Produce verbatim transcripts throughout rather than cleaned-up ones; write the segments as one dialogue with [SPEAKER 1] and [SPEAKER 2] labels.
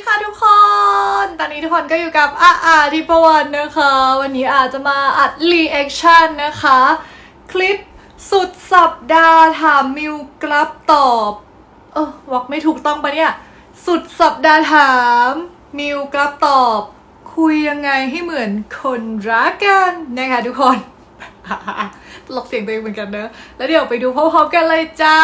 [SPEAKER 1] ค่ะทุกคนตอนนี้ทุกคนก็อยู่กับอาอาทิพวรรณนะคะวันนี้อาจจะมาอัดรีแอคชั่นนะคะคลิปสุดสัปดาห์ถามมิวกลับตอบเออวอกไม่ถูกต้องปะเนี่ยสุดสัปดาห์ถามมิวกลับตอบคุยยังไงให้เหมือนคนรักกันนะคะทุกคนตลกเสียงตัวเองเหมือนกันเนอะแล้วเดี๋ยวไปดูพร้อมๆกันเลยจ้า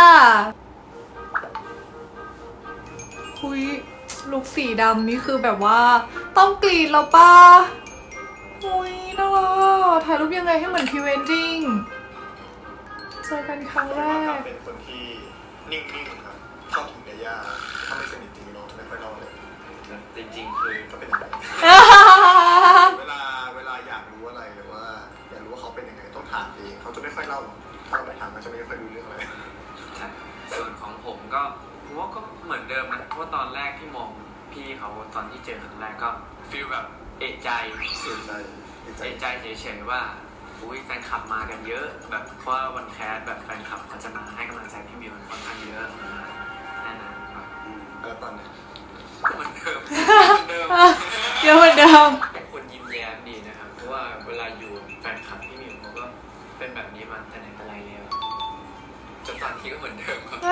[SPEAKER 1] คุยลุคสีดำนี่คือแบบว่าต้องกรีดแล้วป่ะอุ้ยน่ารักถ่ายรูปยังไงให้เหมือนพรีเวดดิ้งเจอกันครั้งแรก
[SPEAKER 2] เป็นคนที่นิ่งๆครับชอบกินเนื้อย่างถ้าไม่สนิทจริงน้องจะไม่ค่อยเล่าเลย
[SPEAKER 3] จริงๆคือ
[SPEAKER 2] เขาเป็นยังไงเวลาเวลาอยากรู้อะไรหรือว่าอยากรู้ว่าเขาเป็นยังไงต้องถามเองเขาจะไม่ค่อยเล่าถ้าเราไปถามเขาจะไม่ค่อยรู้เรื่องอะไร
[SPEAKER 3] ส่วนของผมก็ผมว่าก็เหมือนเดิมนะเพราะว่าตอนแรกที่มองพี่เขาตอนที่เจอครั้งแรกก็ฟีลแบบเอะใจสุดเลยเอะใจเฉยๆว่าอุ้ยแฟนคลับมากันเยอะแบบเพราะว่าวันแคสแบบแฟนคลับเขาจะมาให้กำลังใจพี่มิวค่อนข้างเยอะแน่นอนครับ
[SPEAKER 2] แล้วตอนนี้
[SPEAKER 3] เหมือนเดิมเหมือนเดิม
[SPEAKER 1] เยอะเหมือนเดิม
[SPEAKER 3] เป็นคนยิ้มแย้มดีนะครับเพราะว่าเวลาอยู่แฟนคลับพี่มิวเขาก็เป็นแบบนี้มาแต่ไหนแต่ไรแล้วจนตอนนี้ก็เหมือนเดิมครับ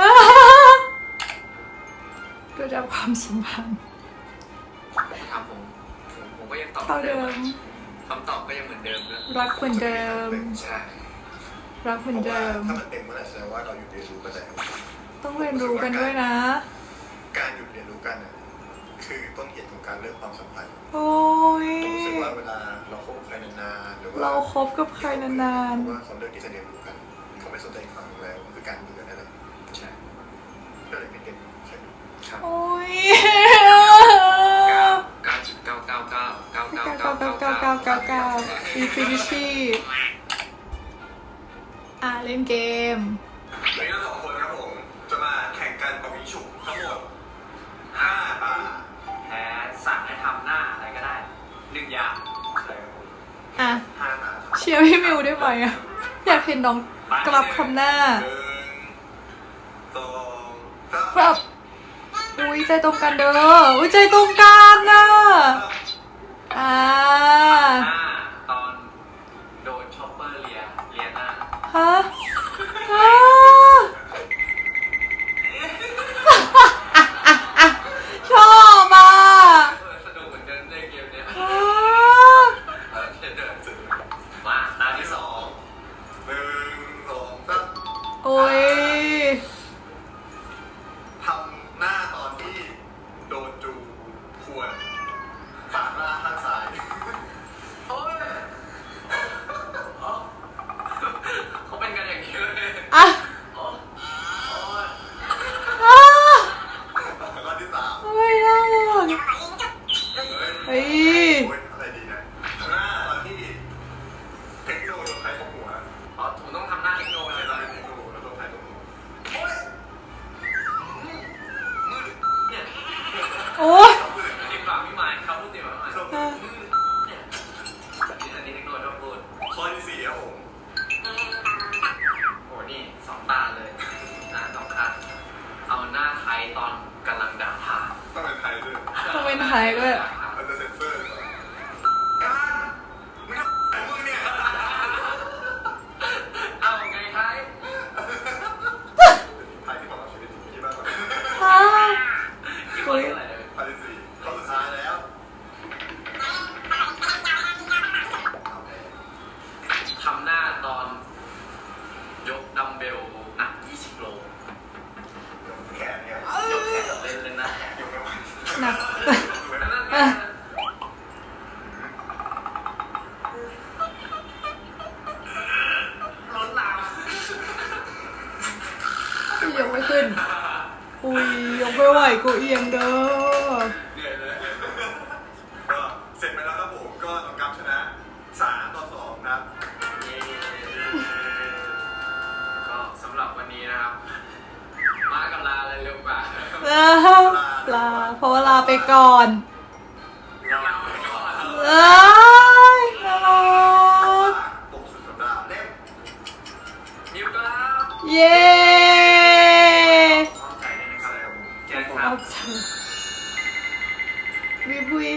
[SPEAKER 1] ก็จะความสัมพันธ์
[SPEAKER 3] ถามผมผมผมก็ยังตอบ
[SPEAKER 1] เดิม
[SPEAKER 3] คำตอบก็ยังเหมือนเดิมนะ
[SPEAKER 1] รักเหมือนเดิม
[SPEAKER 3] ใช่
[SPEAKER 1] รักเหมือนเดิม
[SPEAKER 2] ถ้ามันเต็มเมื่อไหร่แสดงว่าเราหยุดเรียนรู้กันแล้ว
[SPEAKER 1] ต้องเรียนรู้กันด้วยนะ
[SPEAKER 2] การหยุดเรียนรู้กันคือต้นเหตุของการเลิกความสัมพันธ์
[SPEAKER 1] โอ้ย
[SPEAKER 2] ผมรู้สึกว่าเวลาเราคบใครนานๆหรือว่า
[SPEAKER 1] เราคบกับใครนาน
[SPEAKER 2] ๆว่าเขาเลิกที่จะเรียนรู้กันเขาไม่สนใจอีกฝั่งแล้วคือการเบื่อนั่นแหละ
[SPEAKER 3] ใช่
[SPEAKER 2] ก็เลยไม่เต็ม
[SPEAKER 1] โอ้ย
[SPEAKER 3] เก้าจุดเก้าเก้าเก้าเก้าเก้า
[SPEAKER 1] เก้าเก้าเก้าเก้าเก้าเก้าอินฟินิตี้อ่ะเล่นเกม
[SPEAKER 2] วันนี้เราสองคนครับผมจะมาแข่งกันปะวิงฉุกทั้งหมดห้าตา
[SPEAKER 3] แพ้สั่งให้ทำหน้าอะไรก็ได้หนึ่งอย่าง
[SPEAKER 1] อ่ะเชียร์พี่มิวได้ไหมอ่ะอยากเห็นน้องกลับคำหน้าครับอุ้ยใจตรงกันเด้ออุ้ยใจตรงกันน่ะอ่า
[SPEAKER 3] ตอนโดนช็อปเปอร์เลียเลียหน้า
[SPEAKER 1] ฮะฮะชอบอ่ะ
[SPEAKER 3] สนุกเหมือนกันในเกมเนี้ยมาตาที่สอง
[SPEAKER 2] หนึ่งสองสาม
[SPEAKER 1] โอ้ย
[SPEAKER 2] ทำหน้าตอนที่โดนจูขวดปากหน้าข้างซ้าย
[SPEAKER 3] โอ้ยเขาเป็นกันอย่างนี้เลย
[SPEAKER 1] อ่ะ
[SPEAKER 3] โอ้ย
[SPEAKER 2] ข้อที่สาม
[SPEAKER 1] ไม่ได้เฮ้ย
[SPEAKER 2] อะไรดีนะหน้าตอนที่เทคโนโลยีใครตกหัว
[SPEAKER 3] อ๋อผมต้องทำหน้าเทคโนโลยี
[SPEAKER 2] ตอนเทคโนโลยีแล้วโดนใครตกหัวโอ้ย
[SPEAKER 3] มืดเนี่ย
[SPEAKER 1] โอ้ย
[SPEAKER 3] ติดปากพี่หมายเขาพูดติดปากพี่หมายเนี่ยอันนี้เทคโนโลยีต้องพูด
[SPEAKER 2] ข้อที่สี่ครับผม
[SPEAKER 3] โอ้นี่สองตาเลยนะสองขาเอาหน้าไทยตอนกำลังด่าทา
[SPEAKER 2] ต้องเป็นไทยด้วย
[SPEAKER 1] ต้องเป็นไทยด้วย
[SPEAKER 2] มันจะเซ็นเซอร์การมึงทำมึงเนี่ย
[SPEAKER 3] เอาไงไทย
[SPEAKER 2] ไทยที่บอกว่าชีวิตที่บ้านเรา
[SPEAKER 1] ฮะ
[SPEAKER 3] คุย
[SPEAKER 2] ข้อที่สี่ข้อสุดท้ายแล้ว
[SPEAKER 3] ทำหน้าตอนยกดัมเบลหนักยี่สิบโล
[SPEAKER 2] แขนเนี่ย
[SPEAKER 3] ยกแขนเล่นเลยนะ
[SPEAKER 2] ยกไม่ไหว
[SPEAKER 1] หนัก
[SPEAKER 3] ล้นลาม
[SPEAKER 1] ยกไม่ขึ้นอุ้ยยกไม่ไหวกูเอียงเด้อ
[SPEAKER 2] เหนื่อยเลยก็เสร็จไปแล้วครับผมก็ต้องกลับชนะสามต่อสองครับ
[SPEAKER 3] ก็สำหรับวันนี้นะครับมากับลาอะไรเร็วกว่า
[SPEAKER 1] ลาเพราะว่าลาไปก่อน
[SPEAKER 3] ลาไปก่อน
[SPEAKER 1] เอ้ยน่ารัก
[SPEAKER 2] ปกสุดสัปดาห์เล่ม
[SPEAKER 3] มิวครับ
[SPEAKER 1] เย้
[SPEAKER 3] ใจได้นะครับแกครับ
[SPEAKER 1] วิบุย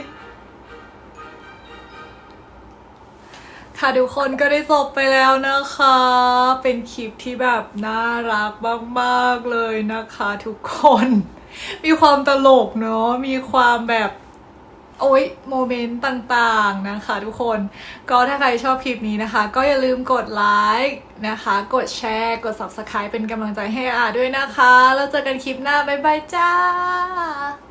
[SPEAKER 1] ค่ะทุกคนก็ได้จบไปแล้วนะคะ เป็นคลิปที่แบบน่ารักมากๆเลยนะคะทุกคน มีความตลกเนาะ มีความแบบโอ๊ยโมเมนต์ต่างๆนะคะทุกคน ก็ถ้าใครชอบคลิปนี้นะคะ ก็อย่าลืมกดไลค์นะคะ กดแชร์ กด ซับสไครบ์ เป็นกำลังใจให้อาด้วยนะคะ แล้วเจอกันคลิปหน้า บ๊ายบายจ้า